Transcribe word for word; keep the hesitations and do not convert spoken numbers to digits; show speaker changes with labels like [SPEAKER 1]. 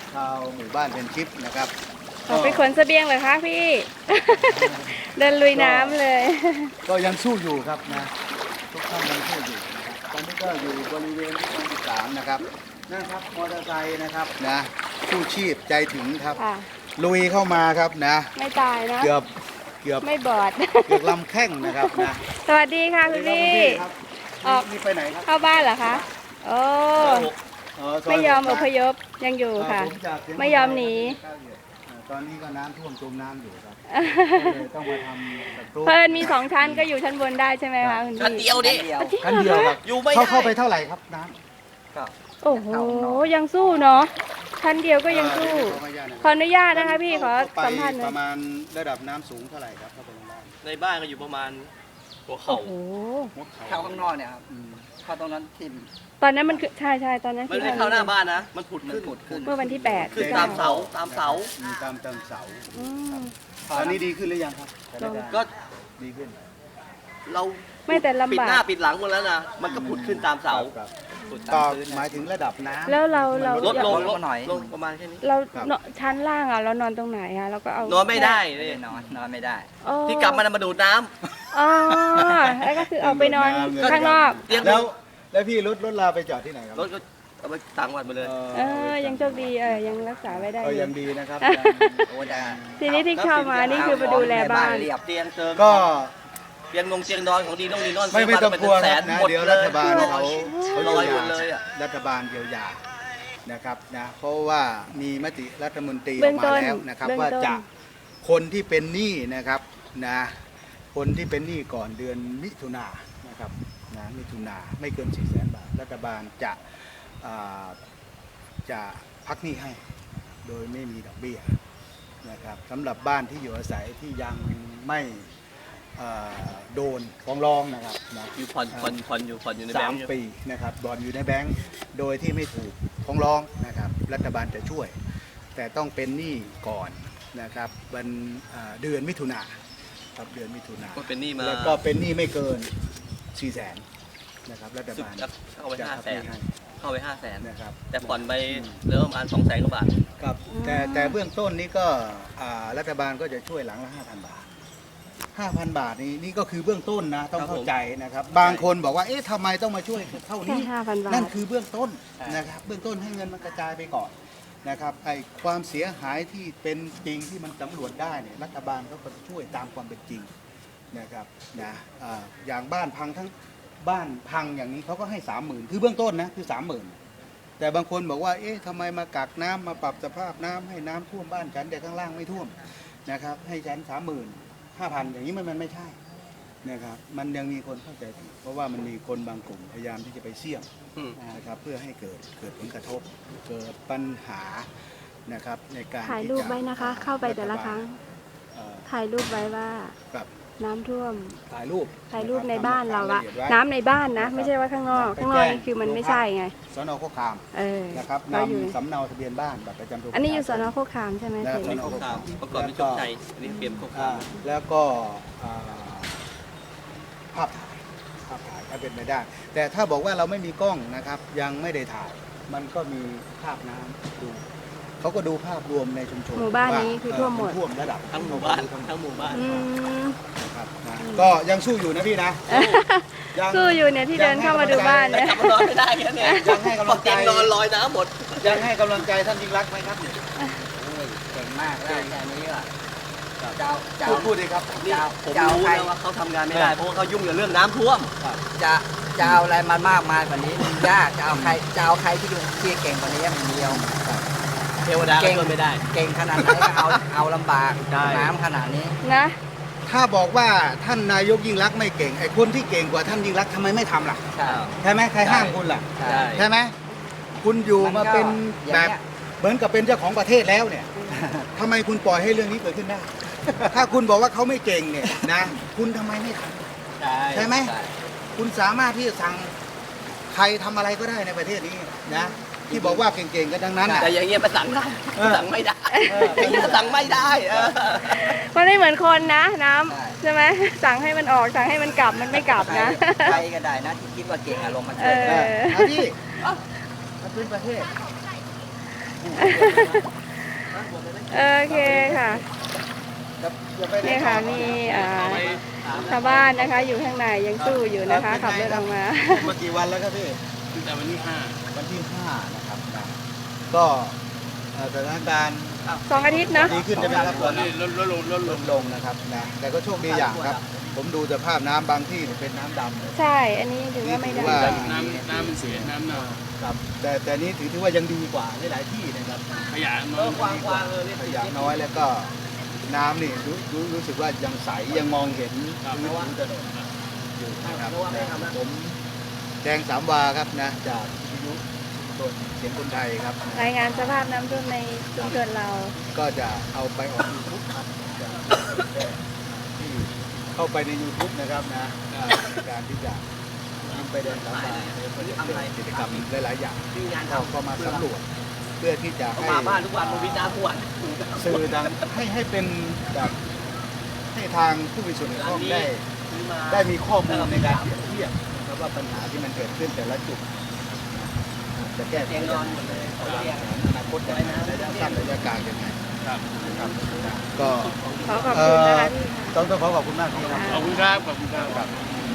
[SPEAKER 1] ชาวหมู่บ้านเป็นชิปนะครับ
[SPEAKER 2] ออกไปขนเสบียงเลยคะพี่ เดินลุยน้ำเลย
[SPEAKER 1] ก็ยังสู้อยู่ครับนะทุกท่านยังสู้อยู่นะครับตอนนี้ก็อยู่บริเวณที่ตรงที่สามนะครับนะครับมอเตอร์ไซค์นะครับนะสู้ชีพใจถึงครับลุยเข้ามาครับนะ
[SPEAKER 2] ไม่ตายนะ
[SPEAKER 1] เกือบเกือบ
[SPEAKER 2] ไม่บอด
[SPEAKER 1] เกือบลำแข้งนะครับนะ
[SPEAKER 2] สวัสดีค่ะคุณพี่
[SPEAKER 1] ออกนี่ไปไหนครับ
[SPEAKER 2] เข้าบ้านเหรอคะโอ้ไม่ยอมอพยพยังอยู่ค่ะไม่ยอมหนี
[SPEAKER 1] ตอนนี้ก็น้ำท่วมจมน้ำอยู่ครับเลยต้องมาทำ
[SPEAKER 2] เพิ่นมีสองชั้นก็อยู่ชั้นบนได้ใช่ไหมคะคุณพี่
[SPEAKER 3] ชั้นเดียวดิ
[SPEAKER 1] ชั้นเดียวครับ
[SPEAKER 3] อยู่ไม่
[SPEAKER 1] ได้เข้าไปเท่าไหร่ครับน้
[SPEAKER 2] ำโอ้โหยังสู้เนาะชั้นเดียวก็ยังสู้ขออนุญาตนะคะพี่ขอสัมภาษณ์หน่อย
[SPEAKER 1] ประมาณระดับน้ำสูงเท่าไหร่ครับเข้าไปในบ้าน
[SPEAKER 3] ในบ้านก็อยู่ประมาณหัวเข่า
[SPEAKER 4] เข้าข้างนอกเนี่ยครับเข้าตรงนั้นทิ่ม
[SPEAKER 2] ตอนนั้นมันคือใช่ใช่ตอนนั้น
[SPEAKER 3] มันไม่เข้าหน้าบ้านนะมันผุดขึ้น
[SPEAKER 2] เมื่อวันที่แปด
[SPEAKER 3] ขึ้นตามเสาตามเสา
[SPEAKER 1] ตามตามเสาตอนนี้ดีขึ้นหรือยังครับ
[SPEAKER 3] ก็
[SPEAKER 1] ดีขึ้น
[SPEAKER 3] เรา
[SPEAKER 2] ไม่แต่ลำบาก
[SPEAKER 3] ปิดหน้าปิดหลังหมดแล้วนะมันก็ผุดขึ้นตามเสา
[SPEAKER 1] ต่อหมายถึงระดับน้ำ
[SPEAKER 2] แล้วเราเรา
[SPEAKER 3] ลดลงลดหน่อยลงประมาณแค่นี้
[SPEAKER 2] เราชั้นล่างอ่ะเรานอนตรงไหนอ่ะเราก็เอา
[SPEAKER 3] นอนไม่ได้
[SPEAKER 4] เลยนอนนอนไม่ได้
[SPEAKER 3] ที่กลับมามาดูดน้ำ
[SPEAKER 2] อ๋อแล้วก็คือเอาไปนอนข้างนอก
[SPEAKER 1] แล้วแล้วพี่รถรถลาไปจอดที่ไหนครับ
[SPEAKER 3] รถก็เอาไปต่างวัดมาเลย
[SPEAKER 2] เออยังโชคดีเออยังรักษาไว้ได้
[SPEAKER 1] ยังดีนะครับ
[SPEAKER 2] ทีนี้ที่เข้ามานี่คือมาดูแลบ้าน
[SPEAKER 3] เตียงเติม
[SPEAKER 1] ก็
[SPEAKER 3] เตียงนงเตียงนอนของดีน้องดีนอน
[SPEAKER 1] ไม่ไม่ต้องกลัวนะเดี๋ยวรัฐบาลเขา
[SPEAKER 3] เขาลอยหมดเลยอ่ะ
[SPEAKER 1] รัฐบาลเยียวยานะครับนะเพราะว่ามีมติรัฐมนตรีออกมาแล้วนะครับว่าจะคนที่เป็นหนี้นะครับนะคนที่เป็นหนี้ก่อนเดือนมิถุนายนนะครับนะมิถุนาไม่เกินสี่แสนบาทรัฐบาลจะจะพักหนี้ให้โดยไม่มีดอกเบี้ยนะครับสำหรับบ้านที่อยู่อาศัยที่ยังไม่โดนฟ้องร้องนะครับ
[SPEAKER 3] อยู่ผ่อนผ่อนผ่อนอยู่ผ่อนอยู่ในแบงค์
[SPEAKER 1] สามปีนะครับบอนอยู่ในแบงค์โดยที่ไม่ถูกฟ้องร้องนะครับรัฐบาลจะช่วย แต่ต้องเป็นหนี้ก่อนนะครับวันเดือนมิถุนาครับเดือนมิถุนา
[SPEAKER 3] ก็เป็นหนี้มา
[SPEAKER 1] แล้วก็เป็นหนี้ไม่เกินสี่แสนนะครับรัฐบาล
[SPEAKER 3] เข้าไปห้าแสนเข้าไปห้าแสน
[SPEAKER 1] นะครับ
[SPEAKER 3] แต่ผ่อนไปเหลือประมาณสองแสนกว่าบาท
[SPEAKER 1] ครับแต่แต่เบื้องต้นนี้ก็รัฐบาลก็จะช่วยหลังละห้าพันบาทห้าพันบาทนี้นี่ก็คือเบื้องต้นนะต้องเข้าใจนะครับบางคนบอกว่าเอ๊ะทำไมต้องมาช่วยเท่านี้นั่นคือเบื้องต้นนะครับเบื้องต้นให้เงินมันกระจายไปก่อนนะครับไอ้ความเสียหายที่เป็นจริงที่มันสำรวจได้เนี่ยรัฐบาลเขาก็จะช่วยตามความเป็นจริงนะครับนะอย่างบ้านพังทั้งบ้านพังอย่างนี้เขาก็ให้สามหมื่นคือเบื้องต้นนะคือสามหมื่นแต่บางคนบอกว่าเอ๊ะทำไมมากักน้ำมาปรับสภาพน้ำให้น้ำท่วมบ้านฉันแต่ข้างล่างไม่ท่วมนะครับให้ฉันสามหมื่นห้าพันอย่างนี้มันมันไม่ใช่นะครับมันยังมีคนเข้าใจผิดเพราะว่ามันมีคนบางกลุ่มพยายามที่จะไปเสี่ยงนะครับเพื่อให้เกิดเกิดผลกระทบเกิดปัญหานะครับในการ
[SPEAKER 2] ถ่ายรูปไว้นะคะเข้าไปแต่ละครั้งถ่ายรูปไว้ว่าน้ำท่วม
[SPEAKER 1] ถ่ายรูป
[SPEAKER 2] ถ่ายรูปในบ้านเราอะน้ำในบ้านนะไม่ใช่ว่าข้างนอกข้างนอกนี่คือมันไม่ใช่ไง
[SPEAKER 1] สน.โคกขามนะครับนำสำเนาทะเบียนบ้านบัตรประจำตัว
[SPEAKER 2] อันนี้อยู่สน.โคกขามใช่ไหม
[SPEAKER 3] สน.โคกขามประกอบด้วยโชคชัยอันนี้เปลี่ยนโคกขาม
[SPEAKER 1] แล้วก็ภาพถ่ายภาพถ่ายถ้าเป็นไม่ได้ แต่ถ้าบอกว่าเราไม่มีกล้องนะครับยังไม่ได้ถ่ายมันก็มีภาพน้ำดูเขาก็ดูภาพรวมในชุมชน
[SPEAKER 2] หมู่บ้านนี้คือท่วมหมด
[SPEAKER 1] ท่วมระดับ
[SPEAKER 3] ทั้งหมู่บ้านทั้งหมู่บ้าน
[SPEAKER 1] ครับก็ยังสู้อยู่นะพี่นะ
[SPEAKER 2] สู้อยู่เนี่ยที่เดินเข้ามาดูบ้านเนี่ย
[SPEAKER 3] นอนไม่ได้แค่นี้
[SPEAKER 1] ยังให้กำลังใจ
[SPEAKER 3] นอนลอยน้ำหมด
[SPEAKER 1] ยังให้กำลังใจท่านยิ่งรักไหมครับ
[SPEAKER 4] เก่งมากแล้วแค่นี้ก็เจ้า
[SPEAKER 1] เจ้าพูดเลยครับ
[SPEAKER 3] นี่ผมรู้นะว่าเขาทำงานไม่ได้เพราะว่าเขายุ่งกับเรื่องน้ำท่วม
[SPEAKER 4] จะจะเอาอะไรมามากมายกว่านี้มันยากจะเอาใครจะเอาใครที่ดูที่เก่งกว่านี้มันเดียว
[SPEAKER 3] เทวดาก็ช่วยไม่ได้
[SPEAKER 4] เก่งขนาดไหนก็เอาเอาลำบากน้ำขนาดนี้
[SPEAKER 2] นะ
[SPEAKER 1] ถ้าบอกว่าท่านนายกยิ่งรักไม่เก่งไอ้คนที่เก่งกว่าท่านยิ่งรักทำไมไม่ทำล่ะ
[SPEAKER 4] ใช่
[SPEAKER 1] ใช่ไหมใครห้ามคุณล่ะใช่ไหมคุณอยู่มาเป็นแบบเหมือนกับเป็นเจ้าของประเทศแล้วเนี่ยทำไมคุณปล่อยให้เรื่องนี้เกิดขึ้นได้ถ้าคุณบอกว่าเขาไม่เก่งเนี่ยนะคุณทำไมไม่ทำใช่ไหมคุณสามารถที่จะสั่งใครทำอะไรก็ได้ในประเทศนี้นะที่บอกว่าเก่งๆกันดังนั้น
[SPEAKER 3] แต่อย่างเงี้ยมาสั่งได้สั่งไม่ได้อย่างเงี้ยสั่งไม่ได้
[SPEAKER 2] มันไม่เหมือนคนนะน้ำใช่ไหมสั่งให้มันออกสั่งให้มันกลับมันไม่กลับนะ
[SPEAKER 4] ใครก็ได้นะที่คิดว่าเก่งอารมณ์มันเกิด
[SPEAKER 1] พี่มันเป็นประเทศ
[SPEAKER 2] โอเคค่ะ
[SPEAKER 1] จะจะไปไหน
[SPEAKER 2] เนี่ยค่ะมีอ่าชาวบ้านนะคะ อยู่ข้างในยังสู้อยู่นะคะขับรถออกมา
[SPEAKER 1] มากี่วันแล้วครับพี่
[SPEAKER 3] ตั้งแต่วันที่ห้า
[SPEAKER 1] วันที่ห้านะครับนะก็เอ่อสถานการณ์
[SPEAKER 2] สองอาทิตย์เนาะ
[SPEAKER 1] ดีขึ้นใช่ไหมครับตอนนี้
[SPEAKER 3] ลดลดลงลดล
[SPEAKER 1] ล
[SPEAKER 3] ง
[SPEAKER 1] ดลงนะครับนะแต่ก็โชคดีอย่างครับ ผมดูสภาพน้ำบางที่เนี่ยเป็นน้ำดำเลย
[SPEAKER 2] ใช่ อันนี้ถือว่าไม่ได้
[SPEAKER 1] ว่า
[SPEAKER 3] น้ำน้ำมันเสียน้ำเน่า
[SPEAKER 1] ครับแต่แต่นี้ถือถือว่ายังดีกว่าหลายๆที่นะครับ
[SPEAKER 3] ขยะน้
[SPEAKER 4] เอ
[SPEAKER 3] อย
[SPEAKER 4] อควางควางเออเรียก
[SPEAKER 1] ข
[SPEAKER 4] ติด
[SPEAKER 1] ยะน้อยแล้วก็น้ำนี่รู้รู้รู้สึกว่ายังใสยังมองเห็นพื้นผิวถนนอยู่นะครับนะผมแดงสามวาครับนะจากวิทยุชุมชนเสียงคนไทยครับ
[SPEAKER 2] รายงานสภาพน้ำท่วมในชุมชนเรา
[SPEAKER 1] ก็จะเอาไปออกยูทูบครับจะที่เข้าไปใน ยูทูบ นะครับนะอ่าในการที่จะนำไปแดงสามวาแล้วก็จะเป็นกิจกรรมหลายๆอย่าง
[SPEAKER 4] มีงาน
[SPEAKER 1] เรา
[SPEAKER 4] ทำ
[SPEAKER 1] ก็มาสำรวจเพื่อที่จะให้
[SPEAKER 4] มาบ้านทุกวันมาวิจารณ์ทุกวัน
[SPEAKER 1] สื่อทางให้ให้เป็นแบบให้ทางผู้มีส่วนเกี่ยวข้องได้ได้มีข้อมูลในการเปรียบเทียบนะครับว่าปัญหาที่มันเกิดขึ้นแต่ละจุดจะแก้ไข
[SPEAKER 4] เตียงน
[SPEAKER 1] ยั
[SPEAKER 4] อน
[SPEAKER 1] ง
[SPEAKER 4] หมดเลย
[SPEAKER 1] ไงวางแผนอนาคตยังไงระยะสั้นระยะกลางยังไง
[SPEAKER 3] ครับ
[SPEAKER 1] นะครับก็
[SPEAKER 2] ขอขอบคุณนะคะพี่ค่ะ
[SPEAKER 1] ต้องต้องขอขอบคุณมากที่ครับ
[SPEAKER 3] ขอบคุณครับขอบคุณครับ
[SPEAKER 1] ครับ